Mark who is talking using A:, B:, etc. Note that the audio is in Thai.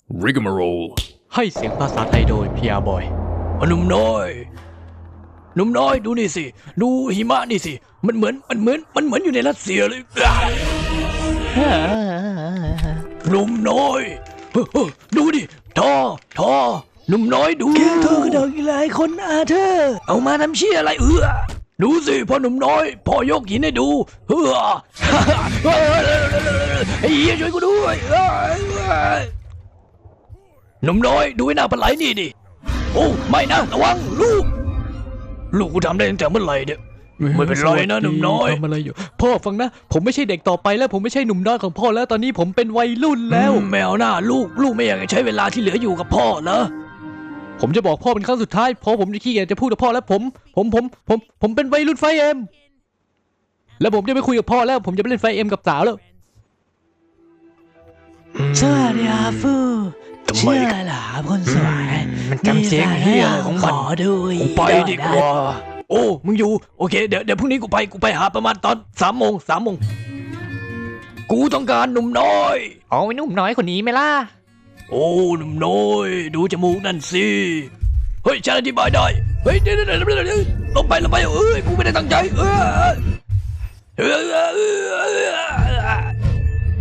A: Rigmarole
B: ให้เสียงภาษาไทยโดยพีอาร์บอย
C: หนุ่มน้อยดูนี่สิดูหิมะนี่สิมันเหมือนอยู่ในรัสเซียเลยหนุ่มน้อยดูดิทอหนุ่มน้อยดูแกเธอกระดกอีกหลายคนอาเธอเอามาทำเชี่ยอะไรดูสิพ่อหนุ่มน้อยพ่อยกหินให้ดูไอ้เหี้ยช่วยกูด้วยหนุ่มน้อยดูไอ้หน้าปลาไหลนี่ดิโอ้ไม่นะระวังลูกกูทำได้ตั้งแต่เมื่อไหร่เนี่ยไม่เป็นไรนะหนุ่มน้อย
B: ทำอะไรอยู่พ่อฟังนะผมไม่ใช่เด็กต่อไปแล้วผมไม่ใช่หนุ่มน้อยของพ่อแล้วตอนนี้ผมเป็นวัยรุ่นแล้ว
C: แมวหน้าลูกไม่อยากจะใช้เวลาที่เหลืออยู่กับพ่อเหรอ
B: ผมจะบอกพ่อเป็นครั้งสุดท้ายเพราะผมจะขี้เกียจจะพูดกับพ่อแล้วผมเป็นวัยรุ่นไฟเอ็มแล้วผมจะไม่คุยกับพ่อแล้วผมจะไปเล่นไฟเอ็มกับสาวแล้ว
D: สวัสดีครับฟูชื่ออะไรล่ะคนสวย
C: มันจำเสียงเฮียอะไรของมัน
D: ขอดู
C: กูไปดีกว่าโอ้มึงอยู่โอเคเดี๋ยวพรุ่งนี้กูไปหาประมาณตอน3 โมงกูต้องการหนุ่มน้อย
B: อ๋อไอ้หนุ่มน้อยคนนี้ไหมล่ะ
C: โอ้หนุ่มน้อยดูจมูกนั่นสิเฮ้ยฉันอธิบายได้เฮ้ยเดี๋ยวลงไปเอ้ยกูไม่ได้ตั้งใจ